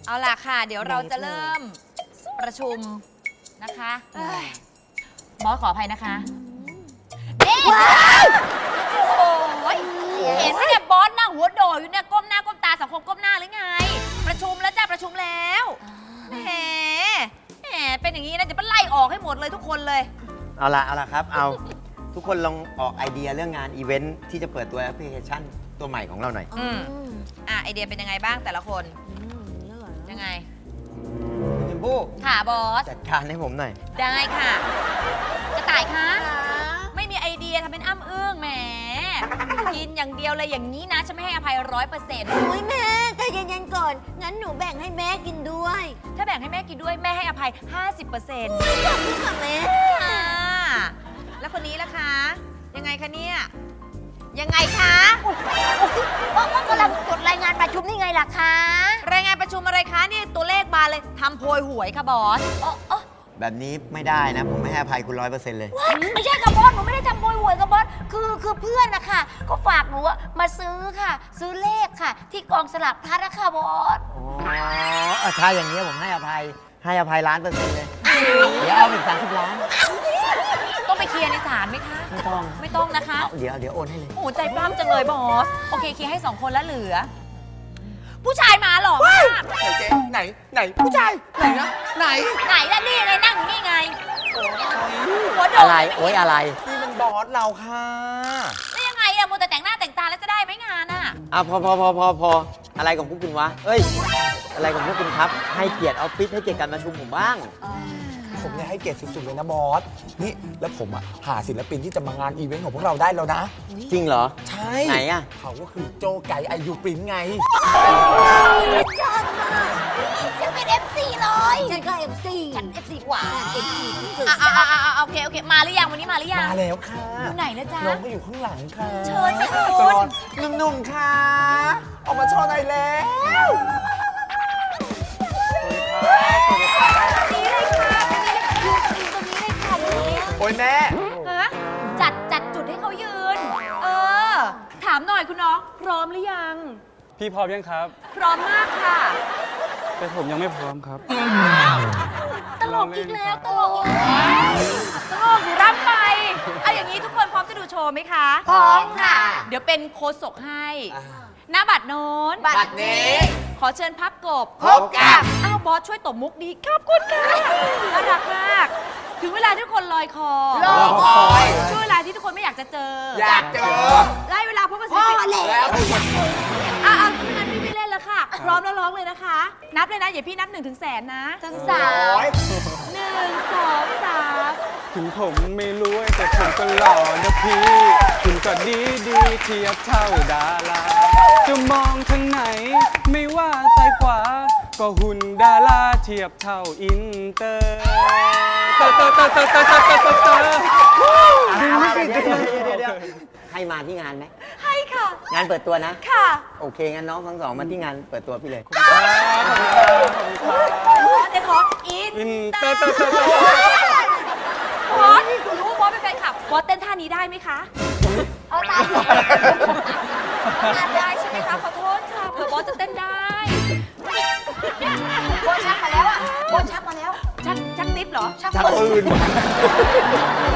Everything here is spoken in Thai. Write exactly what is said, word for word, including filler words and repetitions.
เอาล่ะค่ะ เดี๋ยวเราจะเริ่มประชุมนะคะบอสขออภัยนะคะนี่โอ้ยเห็นไหมเนี่ยบอสนั่งหัวโดดอยู่เนี่ยก้มหน้าก้มตาสังคมก้มหน้าหรือไง ประชุมแล้วจ้าประชุมแล้วแหมแหมเป็นอย่างนี้นะจะไปไล่ออกให้หมดเลยทุกคนเลยเอาละเอาละครับ เอาทุกคนลองออกไอเดียเรื่องงานอีเวนท์ที่จะเปิดตัวแอปพลิเคชันตัวใหม่ของเราหน่อยอืมอ่ะไอเดียเป็นยังไงบ้างแต่ละคนยังไงคุณชมพู่ค่ะบอสจัดการให้ผมหน่อยได้ค่ะ กระต่ายคะไม่มีไอเดียทำเป็นอ้ำอึ้งแหมกินอย่างเดียวเลยอย่างนี้นะฉันไม่ให้อภัยร้อยเปอร์เซ็นต์โอ้ยแม่ใจเย็นๆก่อน งั้นหนูแบ่งให้แม่กินด้วยถ้าแบ่งให้แม่กินด้วยแม่ให้อภัย ห้าสิบเปอร์เซ็นต์ขอบคุณค่ะแม่อ่าแล้วคนนี้ล่ะคะ ยังไงคะเนี่ย ยังไงคะว่าว่ากำลังจดรายงานประชุมนี่ไงล่ะคะรายงานประชุมอะไรคะนี่ตัวเลขมาเลยทำโพยหวยค่ะบอสอ๋ออ๋อแบบนี้ไม่ได้นะ ผมไม่ให้อภัยคุณร้อยเปอร์เซ็นต์เลยว้ายไม่ใช่กับบอสหนูไม่ได้ทำโบยหวยกับบอสคือคือเพื่อนนะคะก็ฝากหนูอะมาซื้อค่ะ ซื้อเลขค่ะ ที่กองสลากพลัดนะคะบอสอ๋อถ้าอย่างนี้ยผมให้อภัย ให้อภัยล้านเปอร์เซ็นต์เลย เดี๋ยวเอาอีกสามสิบล้านต้องไปเคลียร์ในศาลไหมคะไม่ต้องไม่ต้องนะคะเอาเดี๋ยวเดี๋ยวโอนให้เลยโอ้โหใจปล้ำจังเลยบอส โอเคเคลียร์ให้สองคนแล้วเหลือ ผู้ชายมาหรอมากไหนเจ๊ไหน ไหน ผู้ชาย ไหนนะ ไหนไหนล่ะนี่ไงนั่งอยู่นี่ไงหัวโดดอะไร โอ๊ยอะไรนี่มันบอสเราค่ะแล้วยังไงอะมัวแต่แต่งหน้าแต่งตาแล้วจะได้ไหมงานอะอ่ะพอพอพอพอพออะไรของพวกคุณวะ เอ้ย อะไรของพวกคุณครับ ให้เกียรติออฟฟิศให้เกียรติการประชุมผมบ้างผมเนี่ยให้เกียรติสุดๆเลยนะบอส นี่แล้วผมอ่ะหาศิลปินที่จะมางานอีเวนต์ของพวกเราได้แล้วนะจริงเหรอใช่ไหนอะเขาก็คือโจไก่ไอยูปรินไงฉันเป็น เอฟ ซี เลยฉันก็ เอฟ ซี ฉัน เอฟ ซี กว่า เอฟ ซี สุดอ่ะอ่ะอ่ะอ่ะโอเคโอเคมาหรือยังวันนี้มาหรือยังมาแล้วค่ะอยู่ไหนนะจ๊ะน้องก็อยู่ข้างหลังค่ะเชิญสิคุณจอนหนุ่มๆค่ะ ออกมาโชว์หน่อยแล้วนี่เลยค่ะตรงนี้เลยค่ะนี่โอ้ยแม่ฮะจัดจัดจุดให้เขายืน เออ ถามหน่อยคุณน้อง พร้อมหรือยังพี่พร้อมยังครับพร้อมมากค่ะแต่ผมยังไม่พร้อมครับตลกอีกแล้วตลกอีกแล้วตลกอยู่ร่ำไป เอาอย่างนี้ทุกคนพร้อมจะดูโชว์ไหมคะพร้อมค่ะเดี๋ยวเป็นโค้ชศกให้หน้าบัตรโน้นบัตรนี้ขอเชิญพับกบพบกับอ้าวบอสช่วยตบมุกดีขอบคุณค่ะน่ารักมาก ถึงเวลาที่ทุกคนลอยคอรอคอยช่วงเวลาที่ทุกคนไม่อยากจะเจออยากเจอได้เวลาพบกันพ่อสิแล้วอ่ะอ่ะงั้นพี่ไม่เล่นแล้วค่ะ พร้อมแล้วร้องเลยนะคะ นับเลยนะ อย่าพี่นับหนึ่งถึงแสนนะทั้งสามหนึ่งสองสามถึงผมไม่รวยแต่ผมก็หล่อนะพี่ คุณก็ดีดีเทียบเท่าดารา จะมองทางไหน ไม่ว่าซ้ายขวา ก็หุ่นดาราเทียบเท่าอินเตอร์เตอร์เตอร์เตอร์เตอร์เตอร์เตอร์เตอร์เตอร์เตอร์เดี๋ยวเดี๋ยวเดี๋ยวเดี๋ยวให้มาที่งานไหมให้ค่ะงานเปิดตัวนะค่ะโอเค งั้นน้องทั้งสองมาที่งานเปิดตัวพี่เลยเดี๋ยวขออินอินเตอร์เตอร์เตอร์เตอร์บอสหนูรู้ว่าบอสเป็นแฟนคลับบอสเต้นท่านี้ได้ไหมคะเอาตามได้ใช่ไหมคะ ขอโทษค่ะเผื่อบอสจะเต้นได้โบชักมาแล้วอ่ะโบชักมาแล้วชักชักนิดเหรอชักชักปืนปืน